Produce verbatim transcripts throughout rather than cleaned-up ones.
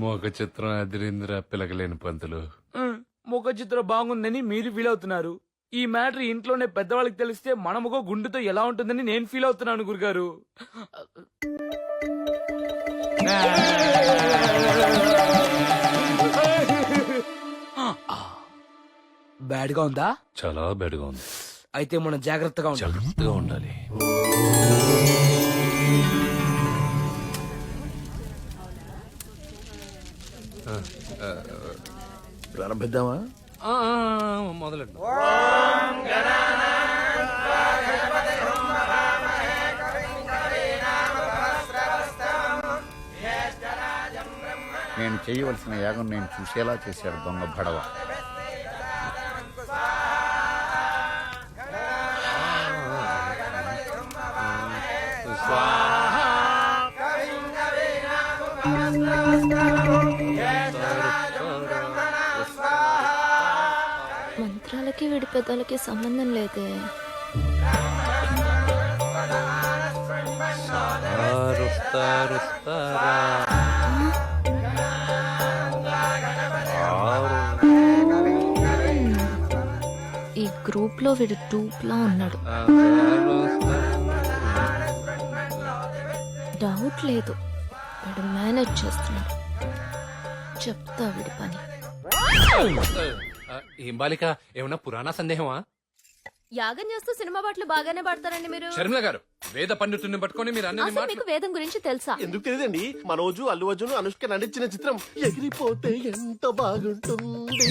మోక చిత్రం అదిరింద్ర పిలకలేని పంతులు. ముఖ చిత్రం బాగుందని మీరు ఫీల్ అవుతున్నారు. ఈ మ్యాటర్ ఇంట్లోనే పెద్దవాళ్ళకి తెలిస్తే మన ముఖ గుండెతో ఎలా ఉంటుందని నేను ఫీల్ అవుతున్నాను గురుగారు. బ్యాడ్ గా ఉందా? చాలా బెడగా ఉంది. అయితే మనం జాగ్రత్తగా ఉండాలి. జాగ్రత్తగా ఉండాలి. ప్రారంభిద్దామా? మొదలెట్టు. నేను చేయవలసిన యాగం నేను చూసేలా చేశాడు దొంగ భడవ. మంత్రాలకి వీడి పెద్దలకి సంబంధం లేదే. ఈ గ్రూప్ లో వీడు టూప్ లా ఉన్నాడు. డౌట్ లేదు, వీడు మేనేజ్ చేస్తున్నాడు. చెప్తా వీడి పని. ఏం బాలిక, ఏమన్నా పురాణ సందేహమా? యాగం చేస్తూ సినిమా పాటలు బాగానే పాడతారండి మీరు. శర్మిల గారు, వేద పండితుడిని పట్టుకొని మీరు అన్ని అసలు మీకు వేదం గురించి తెలుసా? ఎందుకు తెలియదండి. మనోజు అల్లు అర్జున్ అనుష్క నటించిన చిత్రం ఎగిరిపోతే ఎంత బాగుంటుంది.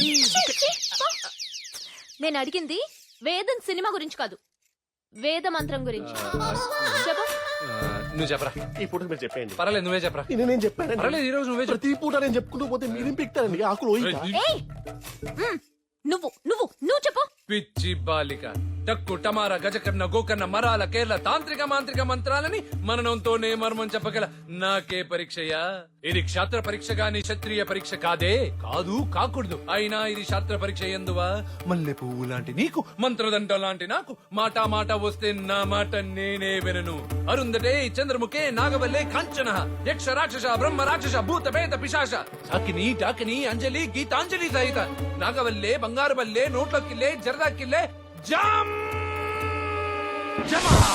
నేను అడిగింది వేదం సినిమా గురించి కాదు, వేద మంత్రం గురించి. చెప్పు. నువ్వు చెప్పరా. ఈ పూట మీరు చెప్పండి. పర్వాలేదు, నువ్వే చెప్పరా. ఇది నేను చెప్పాను. పర్వాలేదు, ఈ రోజు నువ్వే చెప్పు. ప్రతి పూట నేను చెప్పుకుంటూ పోతే మీరేం పిక్తారండి ఆకులు. ఏయ్! మ్, నువ్వు నువ్వు నువ్వు చెప్పు. పిచ్చి బాలిక, టక్కు టమారా గజకర్ణ గోకర్ణ మరాల కేరళ తాంత్రిక మాంత్రిక మంత్రాలని మననంతోనే మర్మం చెప్పగల నాకే పరీక్షయా? ఇది క్షాత్ర పరీక్ష గాని క్షత్రియ పరీక్ష కాదే. కాదు, కాకూడదు. అయినా ఇది శాస్త్ర పరీక్ష ఎందువా? మల్లె పువ్వు లాంటి నీకు, మంత్రదండ లాంటి నాకు, మాట మాట వస్తే నా మాట నేనే వినను. అరుందటే చంద్రముఖే నాగవల్లే కాంచన యక్ష రాక్షస బ్రహ్మ రాక్షస భూత పేత పిశాచ సాకిని టాకిని అంజలి గీతాంజలి సహిత నాగవల్లే బంగారు బల్లే నోట్ల కిల్లే జరదా కిల్లే జామ్ జమా.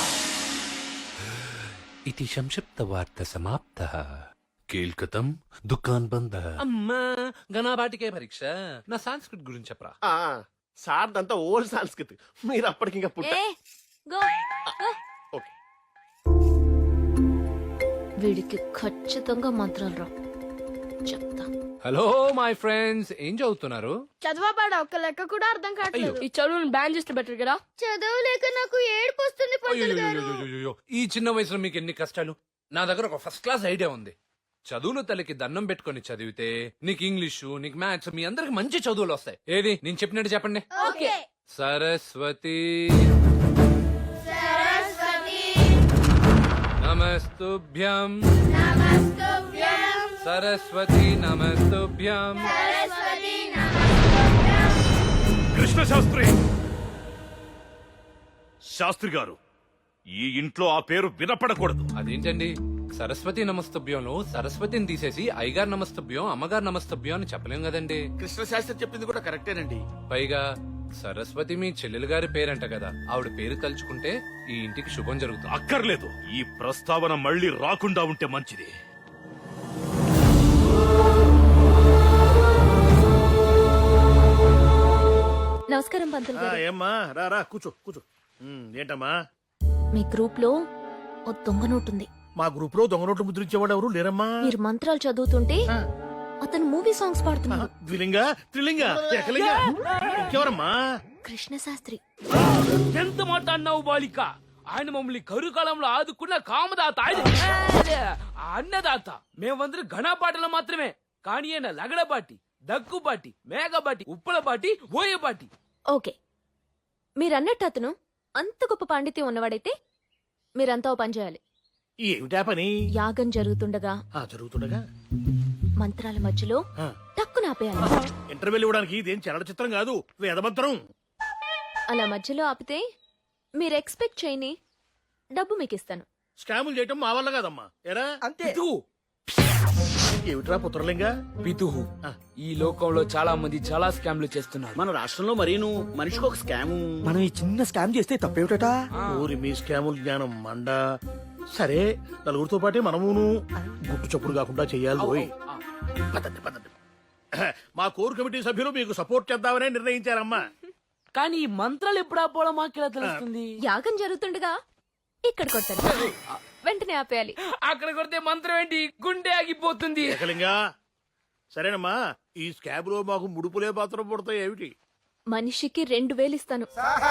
ఇతి సంక్షిప్త వార్త సమాప్త. కేల్కతం దుకాన్ బంద. అమ్మా, గణాబాటికే పరీక్ష. నా సంస్కృత్ గురించి చెప్పరా. సార్ దంతా ఓల్డ్ సంస్కృతి, మీరు అప్పటికి ఇంకా పుట్ట. ఏ, గో, గో. ఓకే. వీడికి ఖచ్చితంగా మంత్రాలు రా. చెప్తా. హలో మై ఫ్రెండ్స్, ఏం చదువుతున్నారు? చదవబాడ ఒక్క లెక్క కూడా అర్థం కావట్లేదు. ఈ చదువుని బ్యాన్ చేస్తే బెటర్ కదా. చదవలేక నాకు ఏడుపు వస్తుంది పంతులు గారు. అయ్యయ్యయ్యయ్యయ్యో, ఈ చిన్న వయసులో మీకు ఎన్ని కష్టాలు. నా దగ్గర ఒక ఫస్ట్ క్లాస్ ఐడియా ఉంది. చదువులు తల్లికి దండం పెట్టుకుని చదివితే నీకు ఇంగ్లీషు, నీకు మ్యాథ్స్, మీ అందరికి మంచి చదువులు వస్తాయి. ఏది నేను చెప్పినట్టు చెప్పండి. ఓకే. సరస్వతి నమస్తుభ్యం. సరస్వతి నమస్తుభ్యం. కృష్ణ శాస్త్రి శాస్త్రి గారు, ఈ ఇంట్లో ఆ పేరు వినపడకూడదు. అదేంటండి, సరస్వతి నమస్తభ్యంలో సరస్వతిని తీసేసి అయ్యగారు నమస్తభ్యం, అమ్మగారు నమస్తభ్యం అని చెప్పలేం కదండి. కృష్ణ శాస్త్రి చెప్పింది కూడా కరెక్టేనండి. పైగా సరస్వతి మీ చెల్లెలు గారి పేరంట కదా, ఆవిడ పేరు తలుచుకుంటే ఈ ఇంటికి శుభం జరుగుతుంది. అక్కర్లేదు, ఈ ప్రస్తావన మళ్ళీ రాకుండా ఉంటే మంచిది. నమస్కారం పంతులు గారు. ఏమ్మా, రా రా కూర్చో కూర్చో. ఉమ్, ఏంటమ్మా? మీ గ్రూప్ లో ఓ దొంగ నోటు ఉంది. మా గ్రూప్ లో దొంగ నోట్లు ముద్రించేవాడు ఎవరు లేరమ్మా. మీరు మంత్రాలు చదువుతుంటే అతను మూవీ సాంగ్స్ పాడుతున్నాడు. ద్విలింగ త్రిలింగ ఏకలింగ ఇంకెవరమ్మా? కృష్ణ శాస్త్రి. ఎంత మాట అన్నావు బాలిక. ఆయన మమ్మల్ని కరు కాలంలో ఆదుకున్న కామదాత, ఆయన అన్నదాత. మేమందరం ఘనపాటలు మాత్రమే, కానీ ఆయన లగడబాటి, దగ్గుబాటి, మేఘబాటి, ఉప్పలబాటి, ఓయబాటి. ఓకే, మీరన్నట్టు అతను అంత గొప్ప పాండిత్యం ఉన్నవాడైతే మీరంతా ఓ పని చేయాలి. ఏమిటా పని? యాగం జరుగుతుండగా ఆ జరుగుతుండగా మంత్రాల మధ్యలో ఆ. టక్కున ఆపేయాలి. ఇంటర్వెల్ ఇవ్వడానికి ఇదేం చలన చిత్రం కాదు, వేదమంత్రం. అలా మధ్యలో ఆపితే మీరు ఎక్స్పెక్ట్ చేయని డబ్బు మీకు ఇస్తాను. స్కాములు చేయటం మా వల్ల కాదమ్మా. ఎరా ఇదిగో. ఏమిట్రా పుత్రలింగా పితుహు ఈ లోకంలో చాలా మంది చాలా స్కామ్లు చేస్తున్నారు. మన రాష్ట్రంలో మరీను మనిషికి ఒక స్కాము. మనం ఈ చిన్న స్కామ్ చేస్తే తప్పేమిటట? ఊరి మీ స్కాముల జ్ఞానం మండ. సరే నలుగురితో పాటే మనమును గుట్టు చప్పుడు కాకుండా చెయ్యాలి పోయి. పదండి పదండి. మా కోర్ కమిటీ సభ్యులు మీకు సపోర్ట్ చేద్దామనే నిర్ణయించారమ్మా. కానీ ఈ మంత్రాలు ఎప్పుడు ఆపోవడం మాకెలా తెలుస్తుంది? యాగం జరుగుతుండగా ఇక్కడ కొట్టారు, వెంటనే ఆపేయాలి. అక్కడ కొడితే మంత్రం ఏంటి, గుండె ఆగిపోతుంది. ఏకలింగా సరేనమ్మా, ఈ స్కాబ్ లో మాకు ముడుపులే పాత్ర పడతాయి ఏమిటి? మనిషికి రెండు వేలు ఇస్తాను.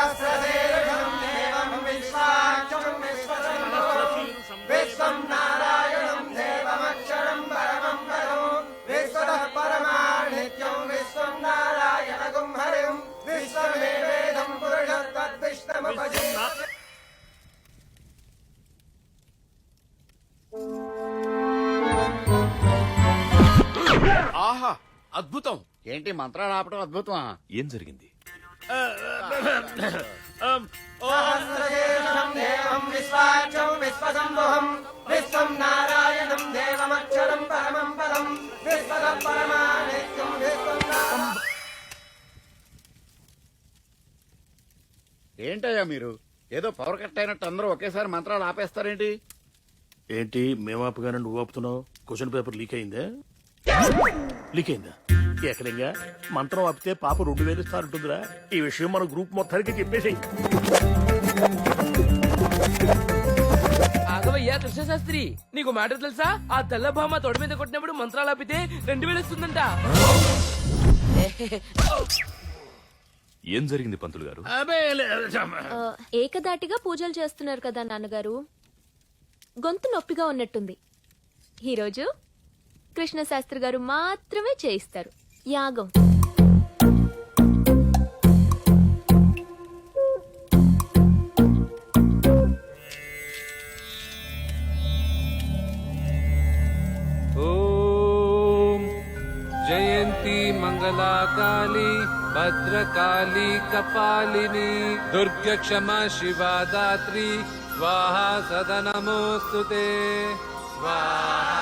ఆహా అద్భుతం. ఏంటి మంత్రాలు ఆపటం అద్భుతమా? ఏం జరిగింది? ఏంటయ్యా మీరు ఏదో పవర్ కట్ అయినట్టు అందరూ ఒకేసారి మంత్రాలు ఆపేస్తారేంటి? ఏంటి మేమాపుగానే నువ్వు ఆపుతున్నావు? క్వశ్చన్ పేపర్ లీక్ అయిందా? లీక్ అయిందా? ఏకలింగా మంత్రం ఆపితే పాప రెండు వేలు ఇస్తారంటుందిరా. ఈ విషయం మన గ్రూప్ మొత్తానికి చెప్పేసి. ఆగవయ్యా కృష్ణశాస్త్రి, నీకు మ్యాటర్ తెలుసా? ఆ తెల్ల భామ తొడ మీద కొట్టినప్పుడు మంత్రాలు ఆపితే రెండు వేలు వస్తుందంట. ఏం జరిగింది పంతులు గారు? అబే లే- ఆ, ఏకదాటిగా పూజలు చేస్తున్నారు కదా నాన్నగారు, గొంతు నొప్పిగా ఉన్నట్టుంది. ఈరోజు కృష్ణశాస్త్రి గారు మాత్రమే చేయిస్తారు యాగం. ఓం జయంతి మంగళా కాళీ భద్రకాళీ కపాలిని దుర్గ క్షమా శివా దాత్రి స్వాహా సదా నమోస్తుతే స్వాహా.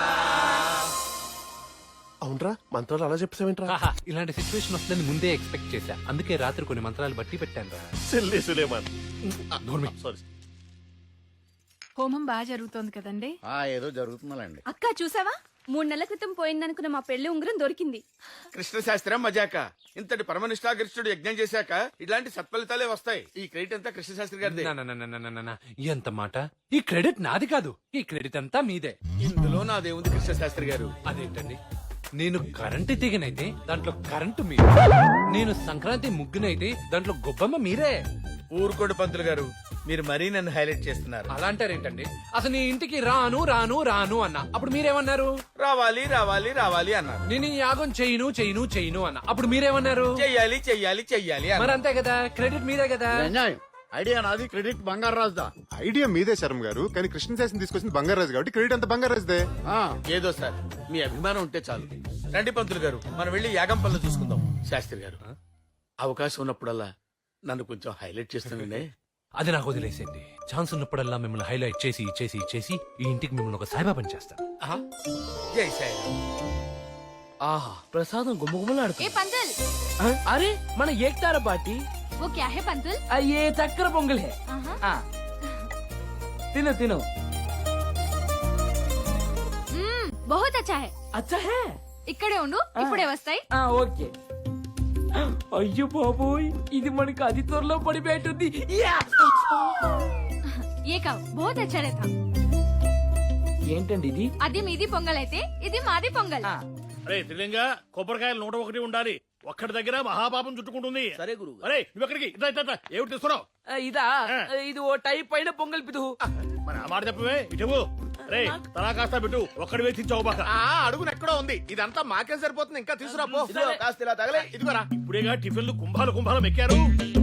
అవునరా మంత్రాలు అలా చెప్పేసావేంట్రా? ఆహా, ఇలాంటి సిచ్యువేషన్ వస్తుందని ముందే ఎక్స్పెక్ట్ చేశా. అందుకే రాత్రి కొన్ని మంత్రాలు బట్టి పెట్టాను రా. సిల్లీ సులేమాన్. సారీ. హోమం బాగా జరుగుతోంది కదండి. ఆ ఏదో జరుగుతుందండి. అక్క చూసావా, మూడు నెలల క్రితం పోయిందనుకున్న మా పెళ్లి ఉంగరం దొరికింది. కృష్ణ శాస్త్రం మజాక. ఇంతటి పరమనిష్టాగరిష్ఠుడు యజ్ఞం చేశాక ఇలాంటి సత్ఫలితాలే వస్తాయి. ఈ క్రెడిట్ అంతా కృష్ణ శాస్త్రి గారిదే. నా, నా, నా, నా, నా, నా, నా. ఎంత మాట! ఈ క్రెడిట్ నాది కాదు, ఈ క్రెడిట్ అంతా మీదే. ఇందులో నాదేముంది కృష్ణ శాస్త్రి గారు? అదేంటండి, నేను కరెంటు తీగనైతే దాంట్లో కరెంటు మీరే, నేను సంక్రాంతి ముగ్గునైతే దాంట్లో గొబ్బమ్మ మీరే. ఊరుకోడు పంతులు గారు, మీరు మరీ నన్ను హైలైట్ చేస్తున్నారు. అలా అంటారేంటండి? అసలు నీ ఇంటికి రాను రాను రాను అన్నా, అప్పుడు మీరేమన్నారు? రావాలి రావాలి రావాలి అన్నారు. నేను ఈ యాగం చేయను చేయను చేయను అన్నా, అప్పుడు మీరేమన్నారు? చెయ్యాలి చెయ్యాలి చెయ్యాలి మరి అన్నారు. అంతే కదా, క్రెడిట్ మీదే కదా. అన్యాయం. ఐడియా నాది, క్రెడిట్ బంగారు రాజుదా. ఐడియా మీదే శర్మ గారు, కానీ కృష్ణశాస్త్రి తీసుకొచ్చింది బంగారాజు కాబట్టి క్రెడిట్ అంతా బంగారాజుదే. ఆ, ఏదో సార్ మీ అభిమానం ఉంటే చాలు. రండి పంతులు గారు, మనం వెళ్ళి యాగం పనులు చూసుకుందాం. శాస్త్రి గారు, అవకాశం ఉన్నప్పుడల్లా నన్ను కొంచెం హైలైట్ చేస్తుండే. అది నాకు వదిలేసేయండి. ఛాన్స్ ఉన్నప్పుడల్లా మిమ్మల్ని హైలైట్ చేసి చేసి చేసి ఈ ఇంటికి మిమ్మల్ని ఒక సాయిబాబాని చేస్తాను. ఆహా, జై సాయి. ఆహా, ప్రసాదం గుమ్మగుమ్మలాడుతుంది. ఏ పంతుల్, అరే మన ఏక్తార పార్టీ. वो क्या है पंतुल? అయ్యే చక్కెర పొంగల్ హే. ఆ. తిను తిను. మ్మ్, बहुत अच्छा है. అచ్చా హే. ఇక్కడే ఉండు, ఇప్పుడే వస్తాయి. ఆ, ఓకే. అయ్యో బాబోయ్, ఇది మనకి అతి త్వరలో పడిపోయేటుంది. యా! ये కావు, बहुत अच्छा रहता. ఏంటండి ఇది? అది మీది పొంగల్ అయితే ఇది మాది పొంగల్. ఆ, అరే త్రిలింగా కొబ్బరికాయలు నూట ఒకటి ఉండాలి. ఒక్కడి దగ్గర మహాపాపం చుట్టుకుంటుంది. సరే గురువు. అరే నువ్వెక్కడికి? ఇట్లా ఇట్లా ఇట్లా. ఏమిటి తీస్తున్నావు? ఆ, ఇదా ఇది ఓ టైప్ పైన పొంగల్ పితుహు. మరి ఆ మాట చెప్పవే. ఇటువు రే, తలా కాస్త పెట్టు. ఒక్కడి వేసించావు బాక. ఆ అడుగున ఎక్కడో ఉంది. ఇదంతా మాకేం సరిపోతుంది, ఇంకా తీసుకురా పో. ఇదిగో, కాస్త ఇలా తగలే. ఇదిగోరా. ఇప్పుడేగా టిఫిన్లు కుంభాలు కుంభాలు ఎక్కారు.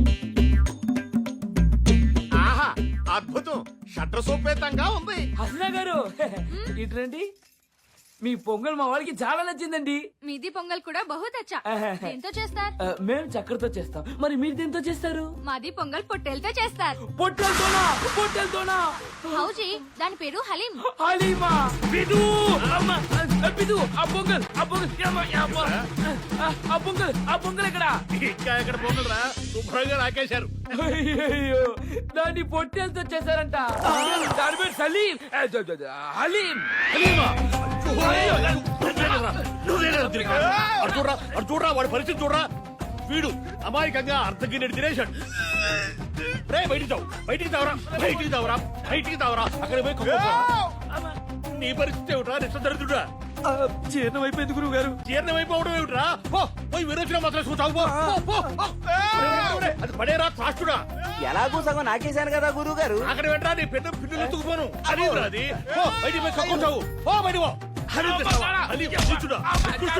ఆహా, అద్భుతం. షట్ర సోపేతంగా ఉంది. హసనా గారు ఇటు రండి. మీ పొంగల్ మా వాళ్ళకి చాలా నచ్చిందండి మీది పొంగల్ కూడా బహుత్ అచ్చా దేంతో చేస్తారు ఆ, మేము చక్కెరతో చేస్తాం మరి మీరు దేంతో చేస్తారు మాది పొంగల్ పొట్టేలతో చేస్తారు పొట్టెలతోనా పొట్టెలతోనా హౌజీ దాని పేరు హలీం హలీమా బిదు అమ్మ, ఆ, బిదు ఆ పొంగల్ ఆ పొంగల్ యమ్మ, యమ్మ. ఆ, ఆ పొంగల్ ఆ పొంగల్ ఎక్కడ ఇంకా ఎక్కడ పోగలరా శుభ్రంగా నాకేశారు అయ్యయ్యో దాన్ని పొట్టెలతో చేశారంట దాని పేరు సలీం ఆ, ద- ద- ద- హలీం హలీమా! అయ్యో, నువ్వేనా? నువ్వేనా ఉద్రిక? అటు చూడరా అటు చూడరా వాడి పరిస్థితి చూడరా వీడు అమాయకంగా అర్ధగిన్నెడు తినేశాడు రే బయటికి తావు బయటికి తావరా బయటికి తావరా బయటికి తావరా అక్కడ పోయి కుమ్మేసుకో. నీ పరిస్థితి ఏమిట్రా నిశ్చదరిద్రుడా జీర్ణం అయిపోయింది గురువు గారు. జీర్ణమైపోవడం ఏమిట్రా పో పోయి విరోచన మాత్రం చూసావు పో పో, పో, పో. అది పడేరా త్రాష్టుడా ఎలాగూ సగం నాకేశాను కదా గురువు గారు. అక్కడ వెంటరా నీ పెద్ద పిల్లలు ఎత్తుకుపోను అది అది పో బయటికి పోయి కక్కుంటావు పో బయటికి పో హరి హరి